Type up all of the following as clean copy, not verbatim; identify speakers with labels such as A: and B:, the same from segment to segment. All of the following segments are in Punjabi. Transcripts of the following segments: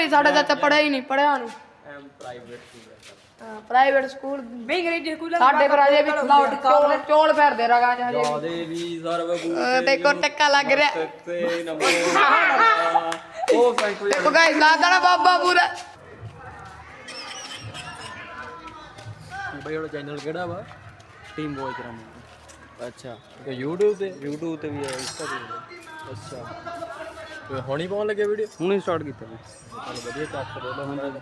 A: ਹੀ ਸਾਡਾ ਚਾਚਾ ਪੜਿਆ ਹੀ ਨਹੀਂ ਪੜਿਆ ਨੂੰ ਪ੍ਰਾਈਵੇਟ ਸਕੂਲ ਵੀ ਅੰਗਰੇਜ਼ੀ ਸਕੂਲ ਸਾਡੇ ਪਰ ਅਜੇ ਵੀ ਚੋਲ ਫਿਰਦੇ ਰਗਾ
B: ਜਾਦੇ ਵੀ ਸਰਵ
A: ਦੇਖੋ ਟੱਕਾ ਲੱਗ ਰਿਹਾ
B: ਤੇ ਨੰਬਰ ਉਹ ਫੈਂਕੂ
A: ਦੇਖੋ ਗਾਇਸ ਲਾਦਾ ਬਾਬਾ ਪੂਰਾ
B: ਬਈ ਉਹ ਚੈਨਲ ਕਿਹੜਾ ਵਾ ਟੀਮ ਬੋਏ ਕਰਾਂਗੇ ਅੱਛਾ ਤੇ YouTube ਤੇ ਵੀ ਹੈ ਇੰਸਟਾ ਤੇ ਅੱਛਾ ਤੇ ਹੁਣੀ ਪਾਉਣ ਲੱਗੇ ਵੀਡੀਓ ਹੁਣੀ ਸਟਾਰਟ ਕੀਤਾ ਜੀ ਚਲ ਵਧੀਆ ਚੱਕ ਦੇ ਲੋ ਹੁਣ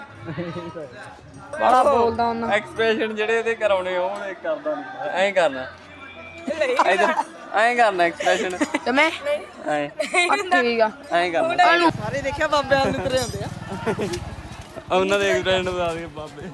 A: ਬੜਾ ਬੋਲਦਾ ਉਹਨਾਂ
B: ਐਕਸਪ੍ਰੈਸ਼ਨ ਜਿਹੜੇ ਇਹਦੇ ਕਰਾਉਣੇ ਉਹ ਕਰਦਾ ਨਹੀਂ ਐਂ ਕਰਨਾ ਇਧਰ ਐਂ ਕਰਨਾ ਐਕਸਪ੍ਰੈਸ਼ਨ
A: ਤੇ ਮੈਂ
B: ਐਂ
A: ਠੀਕ ਆ
B: ਐਂ ਕਰਨਾ
C: ਸਾਰੇ ਦੇਖਿਆ ਬਾਬੇ ਵਾਲ ਨੂੰ ਤੁਰੇ ਹੁੰਦੇ ਆ
B: ਉਹਨਾਂ ਦੇ ਐਕਸਪ੍ਰੈਸ਼ਨ ਬਤਾ ਦੇ ਬਾਬੇ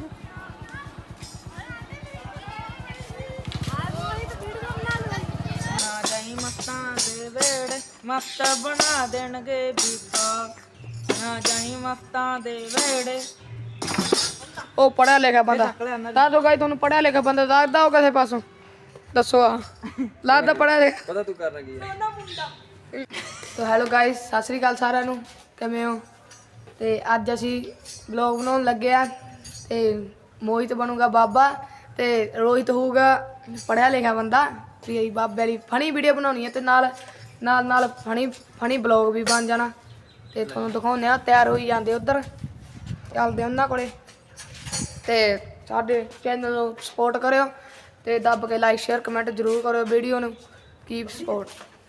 C: ਨਾ ਜਾਈ ਮਸਤਾਂ ਦੇ ਵੇੜੇ ਮਸਤ ਬਣਾ ਦੇਣਗੇ ਬੀਬਾ ਨਾ ਜਾਈ ਮਸਤਾਂ ਦੇ ਵੇੜੇ
A: ਉਹ ਪੜਿਆ ਲਿਖਿਆ ਬੰਦਾ ਦੱਸ ਦੋ ਗਾਇਸ ਤੁਹਾਨੂੰ ਪੜਿਆ ਲਿਖਿਆ ਬੰਦਾ ਦੱਸਦਾ ਉਹ ਕਿਸੇ ਪਾਸੋਂ ਦੱਸੋ ਆ ਲੱਗਦਾ ਪੜਿਆ ਲਿਖਿਆ
B: ਪਤਾ ਤੂੰ ਕਰਨਾ ਕੀ ਹੈ
A: ਤੋ ਹੈਲੋ ਗਾਇਸ ਸਤਿ ਸ੍ਰੀ ਅਕਾਲ ਸਾਰਿਆਂ ਨੂੰ ਕਿਵੇਂ ਹੋ ਤੇ ਅੱਜ ਅਸੀਂ ਵਲੌਗ ਬਣਾਉਣ ਲੱਗੇ ਆ ਤੇ ਮੋਹਿਤ ਬਣੂਗਾ ਬਾਬਾ ਤੇ ਰੋਹਿਤ ਹੋਊਗਾ ਪੜਿਆ ਲਿਖਿਆ ਬੰਦਾ ਤੇ ਇਹ ਬਾਬੇ ਵਾਲੀ ਫਨੀ ਵੀਡੀਓ ਬਣਾਉਣੀ ਹੈ ਤੇ ਨਾਲ ਫਨੀ ਵਲੌਗ ਵੀ ਬਣ ਜਾਣਾ ਤੇ ਤੁਹਾਨੂੰ ਦਿਖਾਉਂਦੇ ਆ ਤਿਆਰ ਹੋਈ ਜਾਂਦੇ ਉਧਰ ਚੱਲਦੇ ਉਹਨਾਂ ਕੋਲੇ ਤੇ ਸਾਡੇ ਚੈਨਲ ਨੂੰ ਸਪੋਰਟ ਕਰਿਓ ਤੇ ਦੱਬ ਕੇ ਲਾਈਕ ਸ਼ੇਅਰ ਕਮੈਂਟ ਜ਼ਰੂਰ ਕਰਿਓ ਵੀਡੀਓ ਨੂੰ ਕੀਪ ਸਪੋਰਟ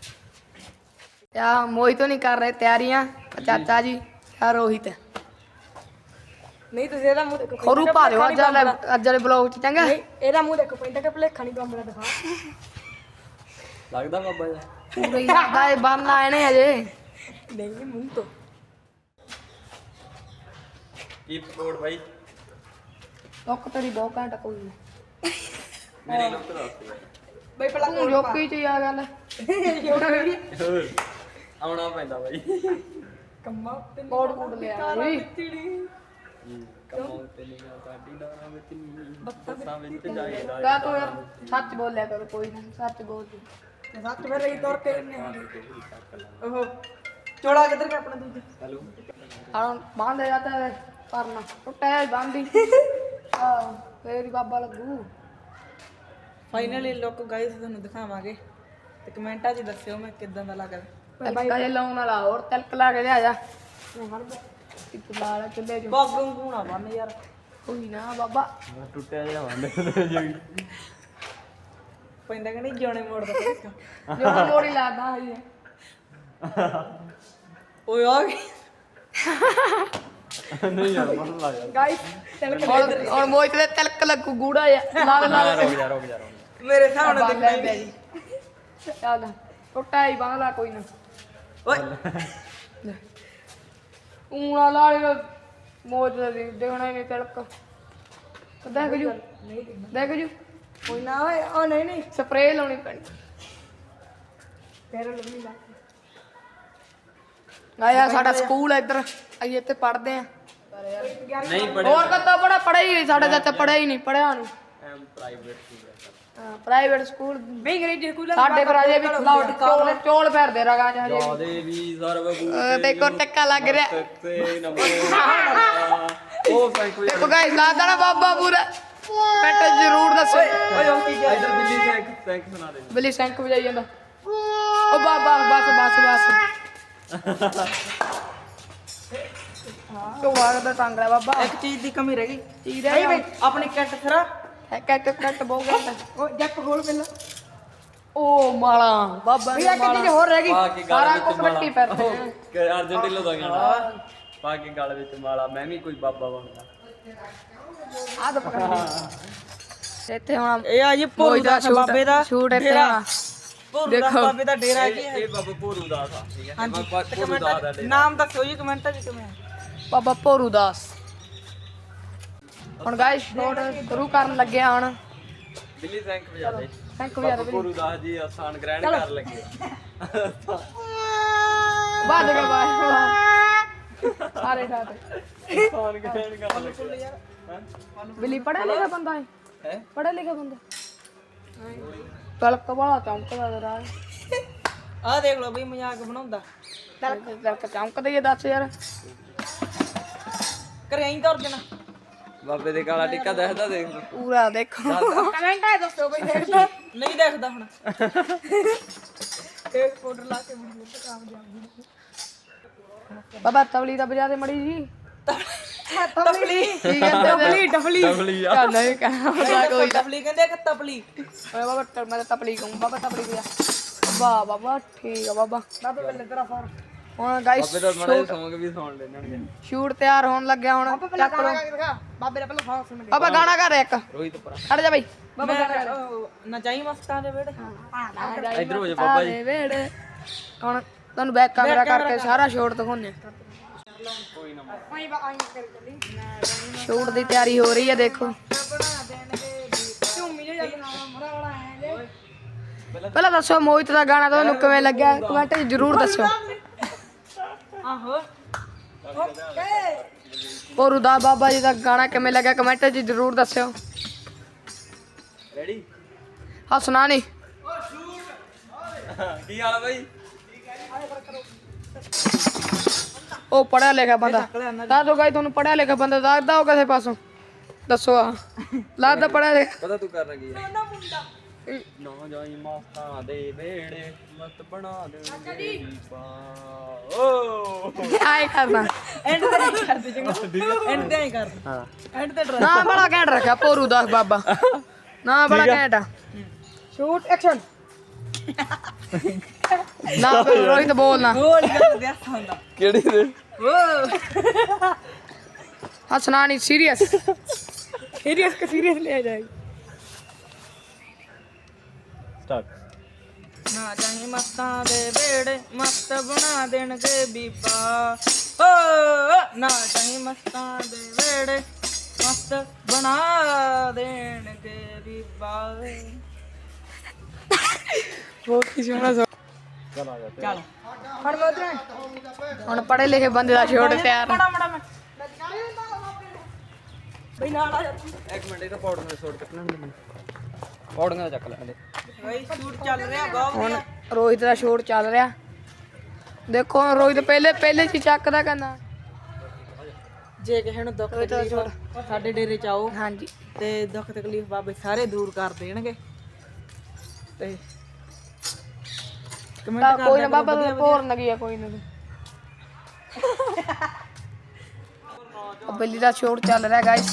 A: ਯਾ ਮੋਹਿਤ ਨਹੀਂ ਕਰ ਰਹੇ ਤਿਆਰੀਆਂ ਚਾਚਾ ਜੀ ਯਾ ਰੋਹਿਤ
C: ਨਹੀਂ ਤੁਸੀਂ ਇਹਦਾ ਮੂੰਹ ਦੇਖੋ
A: ਖਰੂ ਪਾ ਦਿਓ ਅੱਜ ਵਾਲੇ ਬਲੌਗ ਚ ਚੰਗਾ
C: ਇਹਦਾ ਮੂੰਹ ਦੇਖੋ ਪੈਂਦਾ ਕਿ ਭਲੇਖਾ ਨਹੀਂ ਬੰਬਲਾ ਦਿਖਾ
B: ਲੱਗਦਾ ਬਾਬਾ ਜੀ
A: ਪੂਰਾ ਹੀ ਲੱਗਦਾ ਇਹ ਬੰਨ ਆਏ ਨੇ ਅਜੇ
C: ਨਹੀਂ ਮੂੰਹ ਤੋਂ
B: ਕੀਪ ਸਪੋਰਟ ਬਾਈ
A: ਲੋਕ ਤੇਰੀ ਬਹੁਤ ਘੰਟਾ ਕੋਈ ਨਹੀਂ
B: ਮੇਰੇ ਲੋਕ ਦੱਸ
C: ਬਈ ਪਹਿਲਾਂ
A: ਤੂੰ ਜੋਕੀ ਚ ਆ ਗੱਲ
B: ਹੋਰ ਆਉਣਾ ਪੈਂਦਾ ਬਾਈ
C: ਕੰਮਾ ਤੇ
A: ਕੋਡ ਲਿਆ ਜੀ
B: ਕਮਾਉ ਤੇ ਨਹੀਂ ਸਾਡੀ ਨਾਮ ਵਿੱਚ ਨਹੀਂ ਬੱਸਾਂ ਵਿੱਚ ਜਾਈਦਾ
A: ਗਾ ਤੂੰ ਯਾਰ ਸੱਚ ਬੋਲਿਆ ਕਰ ਕੋਈ ਨਹੀਂ ਸੱਚ ਬੋਲ ਤੂੰ
C: ਸੱਤ ਫਿਰ ਰਹੀ ਤੁਰ ਕੇ ਇੰਨੇ ਉਹ ਚੋਲਾ ਕਿੱਧਰ ਗਿਆ ਆਪਣਾ ਦੂਜਾ
B: ਹੈਲੋ
A: ਹਾਂ ਬਾਂਧੇ ਜਾਂਦਾ ਹੈ ਕਰਨਾ ਟੁੱਟਿਆ ਬਾਂਧੀ ਆ ਫੇਰ ਹੀ ਬਾਬਾ ਲੱਗੂ
C: ਫਾਈਨਲੀ ਲੁੱਕ ਗਾਇਸ ਤੁਹਾਨੂੰ ਦਿਖਾਵਾਂਗੇ ਤੇ ਕਮੈਂਟਾਂ 'ਚ ਦੱਸਿਓ ਮੈਂ ਕਿੱਦਾਂ ਦਾ ਲੱਗਦਾ
A: ਤਲਕਾ ਜੇ ਲਾਉਣ ਵਾਲਾ ਹੋਰ ਤਲਕ ਲਾ ਕੇ ਲਿਆ ਜਾ ਇੱਕ ਲਾਲ ਚੁੱਲੇ ਚ
C: ਬਾਗੋਂ ਘੂਣਾ ਬੰਨ ਯਾਰ
A: ਕੋਈ ਨਾ ਬਾਬਾ
B: ਟੁੱਟਿਆ ਜਿਹਾ ਵੰਡ
C: ਪੈਂਦਾ ਕਿ ਨਹੀਂ ਜਿਉਣੇ ਮੋੜਦਾ ਕੋਈ
A: ਜੋ ਮੋੜੀ ਲਾਦਾ ਹੈ
C: ਓਏ ਆ ਗਈ
B: ਨਹੀਂ ਯਾਰ ਮਨ ਲਾ ਯਾਰ
A: ਗਾਇਸ ਔਰ ਮੋਹਿਤ ਦੇ ਤਲਕ ਲੱਗੂ ਗੂੜਾ ਜਿਹਾ ਲਾਲ ਲਾਲ
B: ਰੁਕ ਜਾ
C: ਮੇਰੇ ਸਾਹਮਣੇ
A: ਲੈ
C: ਦਿਖਦਾ
A: ਪਿਆ ਜੀ ਚੱਲ ਟੁੱਟਾ ਹੀ ਬਾਂਹ ਲਾ ਕੋਈ ਨਾ
C: ਓਏ
A: ਊਣਾ ਲਾਲ ਮੋਜ ਦੇ ਦੇਖਣਾ ਹੀ ਨਹੀਂ ਤਲਕ ਦੇਖ ਜੂ ਦੇਖ ਜੂ
C: ਕੋਈ ਨਾ ਓਏ ਉਹ ਨਹੀਂ
A: ਸਪਰੇਅ ਲਾਉਣੀ ਪੈਣੀ
C: ਫੇਰ ਲੱਗੀ ਲਾ
A: ਆਇਆ ਸਾਡਾ ਸਕੂਲ ਹੈ ਇੱਧਰ ਅਸੀਂ ਇੱਥੇ ਪੜ੍ਹਦੇ ਆ
B: ਨਹੀਂ
A: ਹੋਰ ਕਦੋਂ ਪੜਿਆ ਹੀ ਨਹੀਂ ਸਾਡਾ ਚਾਚਾ ਪੜਿਆ ਹੀ ਨਹੀਂ ਪੜਿਆ ਨੂੰ
B: ਪ੍ਰਾਈਵੇਟ ਸਕੂਲ
A: ਪ੍ਰਾਈਵੇਟ ਸਕੂਲ
C: ਵੀ ਅੰਗਰੇਜ਼ੀ ਸਕੂਲ
A: ਸਾਡੇ ਪਰ ਅਜੇ ਵੀ ਚੋਲ ਫਿਰਦੇ ਰਗਾ ਚ ਹਜੇ
B: ਜਾਦੇ ਵੀ ਸਰਵ
A: ਦੇਖੋ ਟੱਕਾ ਲੱਗ ਰਿਹਾ
B: ਤੇ ਨੰਬਰ ਉਹ ਫੈਂਕੂ
A: ਦੇਖੋ ਗਾਇਸ ਲਾਦਾ ਬਾਬਾ ਪੂਰਾ ਪੈਟ ਜ਼ਰੂਰ ਦੱਸੋ
C: ਓਏ ਉਹ ਕੀ
B: ਇਧਰ ਬਿੱਲੀ ਸੈਂਕ ਸੁਣਾ ਦੇ
A: ਬਿੱਲੀ ਸੈਂਕ ਵਜਾਈ ਜਾਂਦਾ ਉਹ ਬਾਬਾ ਬਸ ਤੂੰ ਵਾਗਦਾ ਟੰਗ ਰਿਹਾ ਬਾਬਾ
C: ਇੱਕ ਚੀਜ਼ ਦੀ ਕਮੀ ਰਹਿ ਗਈ
A: ਚੀਜ਼
C: ਨਹੀਂ ਬਈ ਆਪਣੀ ਕਿੱਟ ਖਰਾ
A: ਕੱਟ ਬਹੁਤ ਘੱਟ
C: ਉਹ ਜੱਕ ਖੋਲ ਪਹਿਲਾਂ
A: ਉਹ ਮਾਲਾ ਬਾਬਾ
C: ਵੀ ਇੱਕ ਚੀਜ਼ ਹੋਰ ਰਹਿ ਗਈ
B: ਪਾ ਕੇ ਗਲ
A: ਸਾਰਾ
B: ਵਿੱਚ
A: ਕੁਛ ਮਿੱਟੀ ਫਿਰਦੇ ਆ।
B: ਕਿ ਅਰਜੈਂਟੀਨਾ ਦਾ ਗਾਣਾ ਪਾ ਕੇ ਗਲ ਵਿੱਚ ਮਾਲਾ ਮੈਂ ਵੀ ਕੋਈ ਬਾਬਾ ਬਣਦਾ
A: ਆ ਤਾਂ ਪਕੜ ਇੱਥੇ ਹੁਣ
C: ਇਹ ਆ ਜੀ ਭੋਰੂ ਦਾ ਬਾਬੇ ਦਾ
A: ਸ਼ੂਟ ਇੱਥੇ
C: ਡੇਰਾ।
A: ਹੋਣਾ
C: ਭੋਰੂ ਦਾ ਬਾਬੇ ਦਾ ਡੇਰਾ ਕੀ ਹੈ
B: ਇਹ ਬਾਬਾ ਭੋਰੂ ਦਾਸ ਆ ਠੀਕ ਹੈ
C: ਹਾਂਜੀ
B: ਬਾਬਾ ਭੋਰੂ ਦਾਸ ਦਾ ਡੇਰਾ
C: ਨਾਮ ਦੱਸੋ ਜੀ ਕਮੈਂਟਾਂ 'ਚ ਕਿਵੇਂ
A: ਬਾਬਾ ਭੋਰੂ ਦਾਸ ਹੁਣ ਗਾਇਸ ਸ਼ੂਟ ਸ਼ੁਰੂ ਕਰਨ ਲੱਗੇ ਆ ਹੁਣ
B: ਬਿੱਲੀ ਸੈਂਕ ਵਜਾ ਦੇ
A: ਥੈਂਕ ਯੂ
B: ਬਾਬਾ ਭੋਰੂ ਦਾਸ ਜੀ ਆਸਾਨ ਗ੍ਰਹਿਣ ਕਰ ਲੱਗੇ
A: ਬਾਦ ਕੇ ਬਾਹਰ ਸਾਰੇ ਠਾਤੇ
B: ਆਸਾਨ ਗ੍ਰਹਿਣ ਕਰ ਲੱਗੇ
A: ਬਿੱਲੀ ਪੜ੍ਹਿਆ ਲਿਖਿਆ ਬੰਦਾ ਹੈ
B: ਹੈ
A: ਪੜ੍ਹਿਆ ਲਿਖਿਆ ਬੰਦਾ ਤਲਕ ਵਾਲਾ ਚਮਕਦਾ ਜਰਾ
C: ਆਹ ਦੇਖ ਲਓ ਬਈ ਮਜ਼ਾਕ ਬਣਾਉਂਦਾ
A: ਤਲਕ ਚਮਕਦਾ ਹੀ ਦੱਸ ਯਾਰ
C: ਘਰੇ ਆਈ ਤੁਰ ਦੇਣਾ
B: ਬਾਬੇ ਦੇ ਕਾਲਾ ਟਿੱਕਾ ਦੇਖਦਾ ਦੇਖ
A: ਪੂਰਾ ਦੇਖੋ
C: ਕਮੈਂਟ ਆਏ ਦੱਸੋ ਬਈ ਦੇਖਦਾ ਨਹੀਂ ਦੇਖਦਾ ਹੁਣ ਇੱਕ ਫੋਟੋ ਲਾ ਕੇ ਵੀਡੀਓ ਤੇ ਕੰਮ ਜਾਊਗੀ
A: ਬਾਬਾ ਤਬਲੀ ਦਾ ਵਜਾ ਦੇ ਮੜੀ ਜੀ
C: ਤਪਲੀ
A: ਕੀ ਕਹਿੰਦੇ
C: ਡਫਲੀ
B: ਡਬਲੀ ਆ
A: ਚੱਲ ਨਹੀਂ ਕਹਿਣਾ ਕੋਈ
C: ਤਪਲੀ ਕਹਿੰਦੇ ਕਿ ਤਪਲੀ
A: ਓਏ ਬਾਬਾ ਮੈਂ ਤਾਂ ਤਬਲੀ ਕਹੂੰ ਬਾਬਾ ਤਬਲੀ ਵਜਾ ਵਾਹ ਬਾਬਾ ਠੀਕ ਆ ਬਾਬਾ
C: ਬਾਬੇ ਬੱਲੇ ਤੇਰਾ ਫੋਨ
A: ਹੁਣ ਗਾਇਸ
B: ਬਾਬੇ ਦਾ ਮੜਾ ਸੌਂਗ ਵੀ ਸੁਣ ਲੈਣਗੇ
A: ਸ਼ੂਟ ਤਿਆਰ ਹੋਣ ਲੱਗਿਆ ਹੁਣ ਚੱਕ ਲਓ
C: ਬਾਬੇ ਦਾ ਪਹਿਲਾਂ ਫੋਨ ਸੁਣ
A: ਬਾਬਾ ਗਾਣਾ ਕਰ ਇੱਕ
B: ਰੋਹਿਤ ਪਰਾ
A: ਖੜ ਜਾ ਬਈ
C: ਬਾਬਾ ਨਚਾਈ ਮਸਤਾਂ ਦੇ ਵੇੜੇ
B: ਇਧਰ ਹੋ ਜਾ ਬਾਬਾ ਜੀ
A: ਵੇੜੇ ਹੁਣ ਤੁਹਾਨੂੰ ਬੈਕ ਕੈਮਰਾ ਕਰਕੇ ਸਾਰਾ ਸ਼ੂਟ ਦਿਖਾਉਂਦੇ ਸ਼ੂਟ ਦੀ ਤਿਆਰੀ ਹੋ ਰਹੀ ਹੈ ਦੇਖੋ ਪਹਿਲਾਂ ਦੱਸੋ ਮੋਹਿਤ ਦਾ ਗਾਣਾ ਤੁਹਾਨੂੰ ਕਿਵੇਂ ਲੱਗਿਆ ਕਮੈਂਟ 'ਚ ਜ਼ਰੂਰ ਦੱਸਿਓ
C: ਆਹੋ
A: ਪੋਰੂ ਦਾ ਬਾਬਾ ਜੀ ਦਾ ਗਾਣਾ ਕਿਵੇਂ ਲੱਗਿਆ ਕਮੈਂਟ 'ਚ ਜ਼ਰੂਰ ਦੱਸਿਓ
B: ਰੈਡੀ
A: ਹੱਸਣਾ ਨਹੀਂ
B: ਕੀ ਹਾਲ ਆ ਬਾਈ
A: ਉਹ ਪੜਿਆ ਲਿਖਿਆ ਬੰਦਾ ਦੱਸ ਦੋ ਗਾਈ ਤੁਹਾਨੂੰ ਪੜਿਆ ਲਿਖਿਆ ਬੰਦਾ ਦੱਸਦਾ ਉਹ ਕਿਸੇ ਪਾਸੋਂ ਦੱਸੋ ਆ ਲੱਗਦਾ ਪੜਿਆ ਲਿਖਿਆ
B: ਪਤਾ ਤੂੰ ਕਰਨਾ ਕੀ ਹੈ ਨਾ ਜਾਈ ਮਸਤਾਂ ਦੇ ਵੇੜੇ ਮਤ ਬਣਾ ਦੇਣਗੇ ਦੀਪਾ ਓ
A: ਆਏ ਕਰਨਾ
C: ਐਂਡ ਤੇ ਨਹੀਂ ਕਰਦੇ ਚੰਗਾ ਐਂਡ ਤੇ ਹੀ ਕਰ
B: ਹਾਂ
C: ਐਂਡ ਤੇ
A: ਨਾ ਬੜਾ ਘੈਂਟ ਰੱਖਿਆ ਪੋਰੂ ਦਾ ਬਾਬਾ ਨਾ ਬੜਾ ਘੈਂਟ ਆ ਸ਼ੂਟ ਐਕਸ਼ਨ ਨਾ ਫਿਰ ਰੋਹਿਤ ਬੋਲਣਾ
C: ਗੋਲ ਗੱਲ ਦੇ ਹੱਥ ਹੁੰਦਾ
B: ਕਿਹੜੀ ਦੇ
A: ਹੱਸਣਾ ਨਹੀਂ ਸੀਰੀਅਸ ਸੀਰੀਅਸ ਕਿ ਸੀਰੀਅਸ ਲਿਆ ਜਾਏ
B: ਸਟਾਰਟ
C: ਨਾ ਜਾਈ ਮਸਤਾਂ ਦੇ ਵੇੜੇ ਮਸਤ ਬਣਾ ਦੇਣਗੇ ਬੀਬਾ ਓ ਨਾ ਜਾਈ ਮਸਤਾਂ ਦੇ ਵੇੜੇ ਮਸਤ ਬਣਾ ਦੇਣਗੇ ਬੀਬਾ
A: ਬਹੁਤ ਹੀ ਸੋਹਣਾ
B: ਚਲ ਆ ਜਾ
C: ਚੱਲ ਫੜ ਮੈਂ ਉਧਰ
A: ਹੁਣ ਪੜੇ ਲਿਖੇ ਬੰਦੇ ਦਾ ਸ਼ੂਟ ਤਿਆਰ
C: ਮੜਾ ਮੜਾ ਮੈਂ ਬਈ ਨਾਲ ਆ ਜਾ
B: ਇੱਕ ਮਿੰਟ ਇਹ ਤਾਂ ਪੌੜੀਆਂ ਦਾ ਸ਼ੋਟ ਕੱਟਣਾ ਨਹੀਂ ਪੌੜੀਆਂ ਦਾ ਚੱਕ ਲੈ ਹਲੇ
C: ਬਈ ਸ਼ੂਟ ਚੱਲ ਰਿਹਾ ਬਹੁਤ
A: ਹੁਣ ਰੋਹਿਤ ਦਾ ਸ਼ੂਟ ਚੱਲ ਰਿਹਾ ਦੇਖੋ ਹੁਣ ਰੋਹਿਤ ਪਹਿਲੇ ਚ ਚੱਕਦਾ ਕਹਿੰਦਾ
C: ਜੇ ਕਿਸੇ ਨੂੰ ਦੁੱਖ ਤਕਲੀਫ ਸਾਡੇ ਡੇਰੇ ਚ ਆਓ
A: ਹਾਂਜੀ
C: ਤੇ ਦੁੱਖ ਤਕਲੀਫ ਬਾਬੇ ਸਾਰੇ ਦੂਰ ਕਰ ਦੇਣਗੇ ਤੇ
A: ਤਾਂ
C: ਕਮੈਂਟ
A: ਕੋਈ ਨਾ ਬਾਬਾ ਦਾ ਪੋਰ ਲੱਗੀ ਆ ਕੋਈ ਨਾ ਬਿੱਲੀ ਦਾ ਸ਼ੂਟ ਚੱਲ ਰਿਹਾ ਗਾਇਸ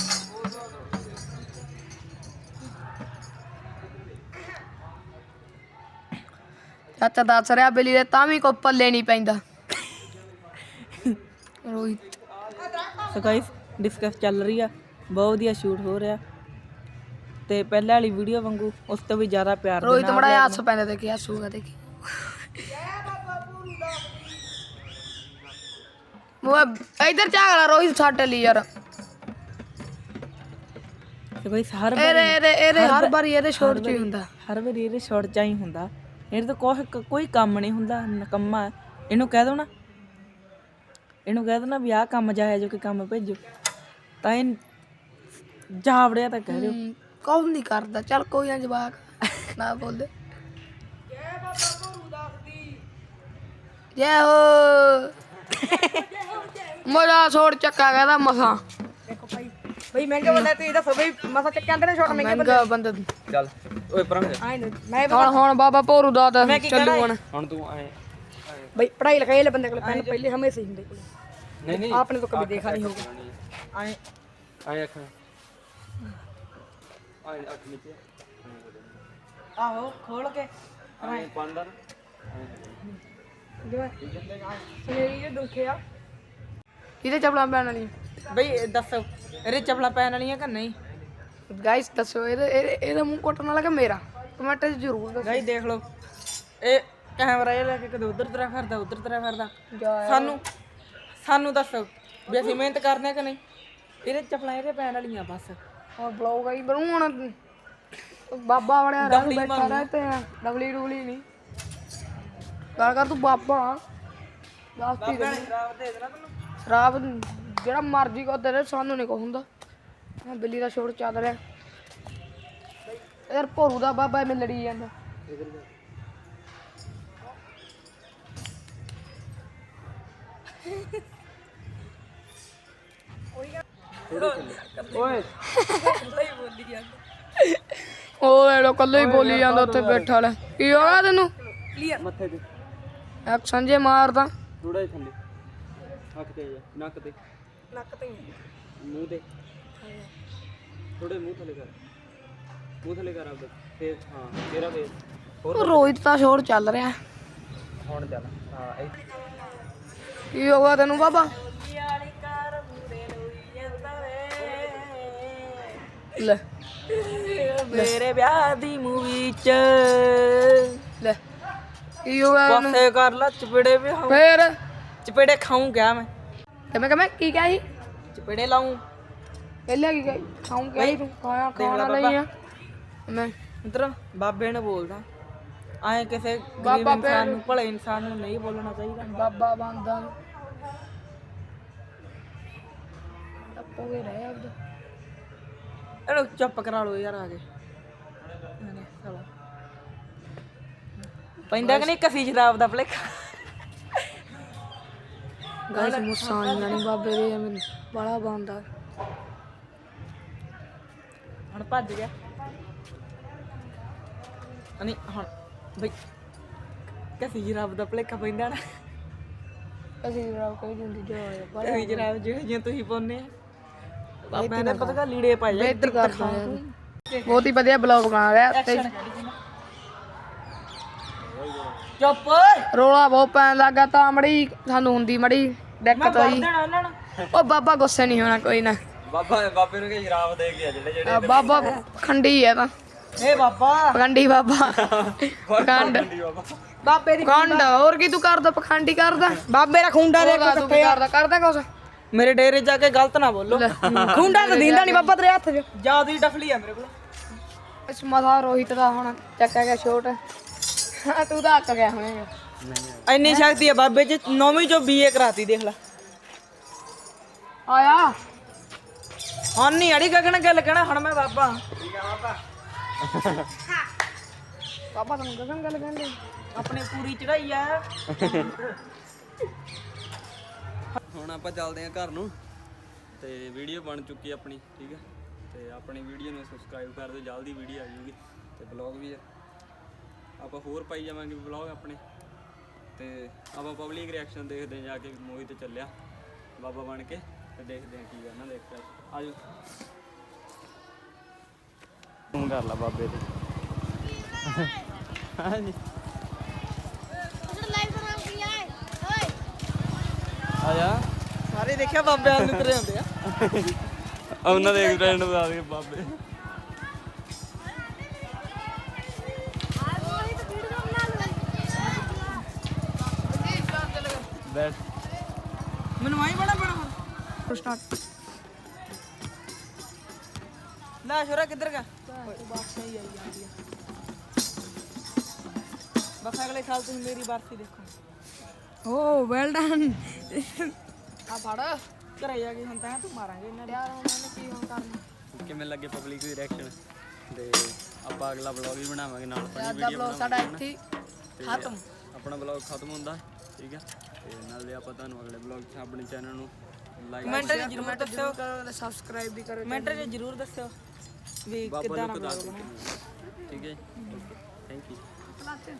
A: ਚਾਚਾ ਦੱਸ ਰਿਹਾ ਬਿੱਲੀ ਦੇ ਤਾਂ ਵੀ ਕੋਈ ਪੱਲੇ ਨਹੀਂ ਪੈਂਦਾ ਰੋਹਿਤ
C: ਸੋ ਗਾਇਸ ਡਿਸਕਸ ਚੱਲ ਰਹੀ ਆ ਬਹੁਤ ਵਧੀਆ ਸ਼ੂਟ ਹੋ ਰਿਹਾ ਤੇ ਪਹਿਲਾਂ ਵਾਲੀ ਵੀਡੀਓ ਵਾਂਗੂ ਉਸ ਤੋਂ ਵੀ ਜ਼ਿਆਦਾ ਪਿਆਰ ਦੇ
A: ਰੋਹਿਤ
C: ਨਾਲ
A: ਬੜਾ ਹੱਸ ਪੈਂਦਾ ਦੇਖੀ ਹੱਸੂਗਾ ਦੇਖੀ ਉਹ ਇਧਰ ਝਾਗਲਾ ਰੋਹਿਤ ਛੱਡ ਲਈ ਯਾਰ
C: ਤੇ ਗਾਇਸ ਹਰ
A: ਇਹਦੇ ਹਰ ਵਾਰੀ ਇਹਦੇ ਸ਼ੋਟ ਚ ਹੀ ਹੁੰਦਾ
C: ਵਾਰੀ ਇਹਦੇ ਸ਼ਾਰਟ ਚ ਹੀ ਹੁੰਦਾ ਇਹਦੇ ਤੋਂ ਕੋਈ ਕੰਮ ਨਹੀਂ ਹੁੰਦਾ ਨਕੰਮਾ ਹੈ। ਇਹਨੂੰ ਕਹਿ ਦੋ ਨਾ ਵੀ ਆਹ ਕੰਮ ਜਾਇਆ ਜੋ ਕਿ ਕੰਮ ਭੇਜੋ ਤਾਂ ਇਹ ਜਾਵੜਿਆ ਤਾਂ ਕਹਿ ਦਿਓ
A: ਕੌਣ ਨਹੀਂ ਕਰਦਾ ਚੱਲ ਕੋਈ ਨਾ ਜਵਾਕ ਨਾ ਬੋਲੇ ਜੈ ਹੋ ਮੋੜਾ ਛੋੜ ਚੱਕਾ ਕਹਿੰਦਾ ਮਸਾਂ
C: ਦੇਖੋ ਬਈ ਮਹਿੰਗੇ ਬੰਦੇ ਤੁਸੀਂ ਦੱਸੋ ਬਈ ਮਸਾ ਚੱਕਿਆ ਅੰਦਰ ਸ਼ਾਰਟ
A: ਮਹਿੰਗਾ ਬੰਦਾ
B: ਚੱਲ ਓਏ ਪਰਾਂ ਜਾ
C: ਆਏ ਮੈਂ
A: ਹੁਣ ਬਾਬਾ ਭੋਰੂ ਦਾ ਤਾਂ ਚੱਲੂ ਹੁਣ
B: ਹੁਣ ਤੂੰ ਆਏ
C: ਬਈ ਪੜਾਈ ਲਿਖਾਈ ਵਾਲੇ ਬੰਦੇ ਕੋਲ ਪੈਨ ਪਹਿਲੇ ਹਮੇਸ਼ਾ ਹੀ ਹੁੰਦੇ ਕੋਲ
B: ਨਹੀਂ ਨਹੀਂ
C: आपने तो कभी देखा नहीं होगा आए
B: ਆਏ ਅੱਖ ਆਏ ਅੱਖ ਨੀਚੇ
C: आहो खोल के
B: ਆਏ ਪੰਦਰ
A: ਸੁਨੇਰੀ ਇਹ ਦੁਖਿਆ ਇਹਦੇ ਚੱਪਲਾਂ ਪੈਣ ਵਾਲੀ
C: ਬਈ ਦੱਸੋ ਇਹਦੇ ਚੱਪਲਾਂ ਪੈਣ ਵਾਲੀਆਂ ਕਿ ਨਹੀਂ
A: ਗਾਇਸ ਦੱਸੋ ਇਹਦਾ ਮੂੰਹ ਕੱਟਣ ਵਾਲਾ ਕਿ ਮੇਰਾ ਕਮੈਂਟ 'ਚ ਜ਼ਰੂਰ ਦੱਸੋ
C: ਗਾਈ ਦੇਖ ਲਓ ਇਹ ਕੈਮਰਾ ਇਹ ਲੈ ਕੇ ਕਦੇ ਉਧਰ ਤਰ੍ਹਾਂ ਫਿਰਦਾ ਉਧਰ ਤਰ੍ਹਾਂ ਫਿਰਦਾ ਸਾਨੂੰ ਦੱਸੋ ਵੀ ਅਸੀਂ ਮਿਹਨਤ ਕਰਦੇ ਹਾਂ ਕਿ ਨਹੀਂ ਇਹਦੇ ਚੱਪਲਾਂ ਇਹਦੇ ਪੈਣ ਵਾਲੀਆਂ ਬਸ
A: ਹੁਣ ਬਲੌਗ ਆਈ ਬਣੂ ਹੁਣ ਬਾਬਾ ਬਣਿਆ ਰਹਿ ਬੈਠਾ ਰਹਿ ਤੇ ਡਬਲੀ ਡੂਲੀ ਨਹੀਂ ਗੱਲ ਕਰ ਤੂੰ ਬਾਬਾ ਲਾਸਟੀ ਦੇ
C: ਸ਼ਰਾਬ ਦੇ ਦੇਣਾ ਤੈਨੂੰ
A: ਸ਼ਰਾਬ ਜਿਹੜਾ ਮਰਜੀ ਕੋ ਦੇ ਸਾਨੂੰ ਨਹੀਂ ਕੋ ਹੁੰਦਾ ਬਿੱਲੀ ਦਾ ਸ਼ੋਟ ਚੱਲ ਰਿਹਾ ਯਾਰ ਭੋਰੂ ਦਾ ਬਾਬਾ ਐਵੇਂ ਲੜੀ ਜਾਂਦਾ
B: ਓਏ
A: ਉਹ ਇਹ ਲੋ ਕੱਲੇ ਹੀ ਬੋਲੀ ਜਾਂਦਾ ਉੱਥੇ ਬੈਠਾ ਲੈ। ਕੀ ਹੋ ਗਿਆ ਤੈਨੂੰ?
B: ਮੱਥੇ ਤੇ
A: ਐਕਸ਼ਨ ਜੇ ਮਾਰਦਾ।
B: ਥੋੜਾ ਜਿਹਾ ਥੱਲੇ ਅੱਖ ਤੇ ਜਾ, ਨੱਕ ਤੇ ਮੂੰਹ ਤੇ ਥੋੜੇ ਮੂੰਹ ਥੱਲੇ ਕਰ ਆਪਦਾ ਫੇਰ। ਹਾਂ ਤੇਰਾ ਫੇਰ
A: ਉਹ ਰੋਹਿਤ ਦਾ ਸ਼ੋਰ ਚੱਲ ਰਿਹਾ।
B: ਹੁਣ ਚੱਲ। ਹਾਂ
A: ਕੀ ਹੋ ਗਿਆ ਤੈਨੂੰ ਬਾਬਾ? ਲੈ
C: ਮੇਰੇ ਵਿਆਹ ਦੀ ਮੂਵੀ ਚ
A: ਲੈ ਕੀ ਹੋ ਗਿਆ ਤੈਨੂੰ?
C: ਪਾਸੇ ਕਰ ਲਾ ਚਪੇੜੇ ਵੀ
A: ਫੇਰ
C: ਚਪੇੜੇ ਖਾਉਂ ਗਿਆ ਮੈਂ
A: ਕਿਵੇਂ ਕੀ ਕਿਹਾ ਸੀ?
C: ਚਪੇੜੇ ਲਾਉਂ
A: ਪਹਿਲਾਂ ਕੀ ਕਹੀ? ਖਾਉਂ ਕਿਹਾ ਸੀ ਤੂੰ? ਖਾਣਾ ਨਹੀਂ ਆ ਮੈਂ।
C: ਮਿੱਤਰ ਬਾਬੇ ਨੇ ਬੋਲਦਾ ਆਏ ਕਿਸੇ ਗਰੀਬ
A: ਬਾਬਾ
C: ਇਨਸਾਨ ਨੂੰ ਭਲੇ ਇਨਸਾਨ ਨੂੰ ਨਹੀਂ ਬੋਲਣਾ ਚਾਹੀਦਾ।
A: ਬਾਬਾ ਬੰਦਾ ਟੱਪੋਗੇ ਰਹਿ ਆਪਦਾ।
C: ਇਹਨੂੰ ਚੁੱਪ ਕਰਾ ਲਓ ਯਾਰ ਆ ਕੇ ਸਾਲਾ ਪੈਂਦਾ ਕਿ ਨਹੀਂ ਕਸੀ ਸ਼ਰਾਬ ਦਾ ਭਲੇਖਾ।
A: ਗਾਇਸ ਮੁੱਸਾਂ ਆਈਆਂ ਨਹੀਂ ਬਾਬੇ ਦੇ ਐਵੇਂ ਬੜਾ ਬੰਦਾ।
C: ਹੁਣ ਭੱਜ ਗਿਆ ਨਹੀਂ ਹੁਣ ਬਈ ਕਸੀ ਸ਼ਰਾਬ ਦਾ ਭਲੇਖਾ ਪੈਂਦਾ ਨਾ।
A: ਅਸੀਂ ਜਰਾ ਕੋਈ ਦਿੰਦੀ ਜੋ ਆਇਆ ਬੜਾ
C: ਕਸੀ ਸ਼ਰਾਬ ਜਿਹੜੀਆਂ ਤੁਸੀਂ ਪਾਉਂਦੇ ਆ ਬਾਬਿਆਂ ਨੇ ਪਤਾ ਲੀੜੇ ਪਾਏ ਆ
A: ਬਿਹਤਰ ਕਰਦਾ ਯਾਰ। ਬਹੁਤ ਹੀ ਵਧੀਆ ਬਲੌਗ ਬਣਾ ਰਿਹਾ ਤੇ
C: ਚੁੱਪ
A: ਰੋਲਾ ਬਹੁਤ ਪੈਣ ਲੱਗਾ ਤਾਂ ਮੜੀ ਸਾਨੂੰ ਹੁੰਦੀ ਮੜੀ ਦਿੱਕਤ ਹੋਈ।
C: ਦੇਣਾ ਉਹਨਾਂ ਨੂੰ
A: ਉਹ ਬਾਬਾ ਗੁੱਸੇ ਨਹੀਂ ਹੋਣਾ ਕੋਈ ਨਾ।
B: ਬਾਬੇ ਨੂੰ ਕਿ ਸ਼ਰਾਬ ਦੇ ਗਿਆ ਜਿਹੜੇ
A: ਆ ਬਾਬਾ ਖੰਡੀ ਹੈ ਤਾਂ
C: ਏ ਬਾਬਾ
A: ਪਖੰਡੀ ਬਾਬਾ। ਪਖੰਡ
C: ਬਾਬੇ ਦੀ
A: ਪਖੰਡ ਹੋਰ ਕੀ ਤੂੰ ਕਰਦਾ? ਪਖੰਡੀ ਕਰਦਾ।
C: ਬਾਬੇ ਦਾ ਖੁੰਡਾ ਦੇ
A: ਤੂੰ ਕੀ ਕਰਦਾ ਕੁਛ?
C: ਮੇਰੇ ਡੇਰੇ ਜਾ ਕੇ ਗਲਤ ਨਾ ਬੋਲੋ। ਖੁੰਡਾ ਤਾਂ ਦਿੰਦਾ ਨਹੀਂ ਬਾਬਾ ਤੇਰੇ ਹੱਥ 'ਚ ਜਿਆਦਾ ਹੀ ਡਫਲੀ ਆ ਮੇਰੇ ਕੋਲ।
A: ਇਸ ਮਸਾ ਰੋਹਿਤ ਦਾ ਹੁਣ ਚੱਕਿਆ ਗਿਆ ਛੋਟ। ਤੂੰ ਤਾਂ ਅੱਕ ਗਿਆ ਹੁਣੇ।
C: ਇੰਨੀ ਸ਼ਕਤੀ ਆ ਬਾਬੇ 'ਚ 9ਵੀਂ ਚੋਂ BA ਕਰਾਤੀ ਦੇਖ ਲੈ।
A: ਆਇਆ
C: ਹੁਣ ਨਹੀਂ ਅੜੀ ਗਗਨ ਗੱਲ ਕਹਿਣਾ ਹੁਣ ਮੈਂ ਬਾਬਾ
A: ਬਾਬਾ ਤੈਨੂੰ ਗਗਨ ਗੱਲ ਕਹਿੰਦੇ
C: ਆਪਣੀ ਪੂਰੀ ਚੜਾਈ ਆ।
B: ਹੁਣ ਆਪਾਂ ਚੱਲਦੇ ਹਾਂ ਘਰ ਨੂੰ ਤੇ ਵੀਡੀਓ ਬਣ ਚੁੱਕੀ ਆਪਣੀ, ਠੀਕ ਹੈ। ਤੇ ਆਪਣੀ ਵੀਡੀਓ ਨੂੰ ਸਬਸਕ੍ਰਾਈਬ ਕਰ ਦਿਓ, ਜਲਦੀ ਵੀਡੀਓ ਆ ਜਾਊਗੀ ਤੇ ਬਲੌਗ ਵੀ ਆ ਆਪਾਂ ਹੋਰ ਪਾਈ ਜਾਵਾਂਗੇ ਬਲੌਗ ਆਪਣੇ। ਤੇ ਆਪਾਂ ਪਬਲਿਕ ਰਿਐਕਸ਼ਨ ਦੇਖਦੇ ਹਾਂ ਜਾ ਕੇ। ਮੂਵੀ ਤੇ ਚੱਲਿਆ ਬਾਬਾ ਬਣ ਕੇ ਤੇ ਦੇਖਦੇ ਹਾਂ ਕੀ ਕਰਨਾ। ਦੇਖ ਕੇ ਆਜੋ ਤੂੰ ਕਰ ਲਾ ਬਾਬੇ ਤੇ। ਹਾਂਜੀ ਆ ਜਾ
C: ਸਾਰੇ ਦੇਖਿਆ ਬਾਬੇ ਵਾਲ ਨੂੰ ਤੇਰੇ ਹੁੰਦੇ ਆ।
B: ਉਹਨਾਂ ਦੇ ਫਰੈਂਡ ਨੂੰ ਦੱਸ ਦੇ ਬਾਬੇ। ਬੈਠ
C: ਮੈਨੂੰ ਆਈ ਬੜਾ
A: ਸਟਾਰਟ
C: ਲੈ ਛੋਰਾ ਕਿੱਧਰ ਗਿਆ? ਬਸ ਸਹੀ ਆਈ ਜਾਂਦੀ ਆ। ਬਸ ਅਗਲੇ ਸਾਲ ਤੁਸੀਂ ਮੇਰੀ ਬਰਸੀ ਦੇਖੋ।
A: Oh well done. ਆ ਫੜ
C: ਘਰੇ ਜਾ ਕੇ ਹੁਣ ਤਾਂ ਤੂੰ ਮਾਰਾਂਗੇ ਇਹਨਾਂ ਦੇ।
A: ਯਾਰ ਉਹਨਾਂ ਨੇ ਕੀ ਹੁਣ ਕਰਨਾ?
B: ਕਿਵੇਂ ਲੱਗੇ ਪਬਲਿਕ ਦੀ ਰਿਐਕਸ਼ਨ ਤੇ ਆਪਾਂ ਅਗਲਾ ਵਲੌਗ ਵੀ ਬਣਾਵਾਂਗੇ ਨਾਲ ਆਪਣੀ
A: ਦਾ
B: ਵੀਡੀਓ
A: ਬਲੌਗ ਸਾਡਾ ਇੱਥੇ ਹੀ ਖਤਮ।
B: ਆਪਣਾ ਵਲੌਗ ਖਤਮ ਹੁੰਦਾ, ਠੀਕ ਹੈ। ਤੇ ਨਾਲੇ ਆਪਾਂ ਤੁਹਾਨੂੰ ਅਗਲੇ ਵਲੌਗ 'ਚ ਆਪਣੇ ਚੈਨਲ ਨੂੰ ਲਾਈਕ
C: ਕਮੈਂਟ 'ਚ ਜ਼ਰੂਰ ਦੱਸਿਓ।
A: ਕਰੋ ਸਬਸਕ੍ਰਾਈਬ ਵੀ ਕਰੋ।
C: ਕਮੈਂਟ 'ਚ ਜ਼ਰੂਰ ਦੱਸਿਓ ਵੀ
B: ਬਾਬਾ
C: ਕਿੱਦਾਂ
B: ਨੂੰ
C: ਨਾ
B: ਦੱਸ
C: ਬਣਾਉਣਾ।
B: ਠੀਕ ਹੈ। Thank you.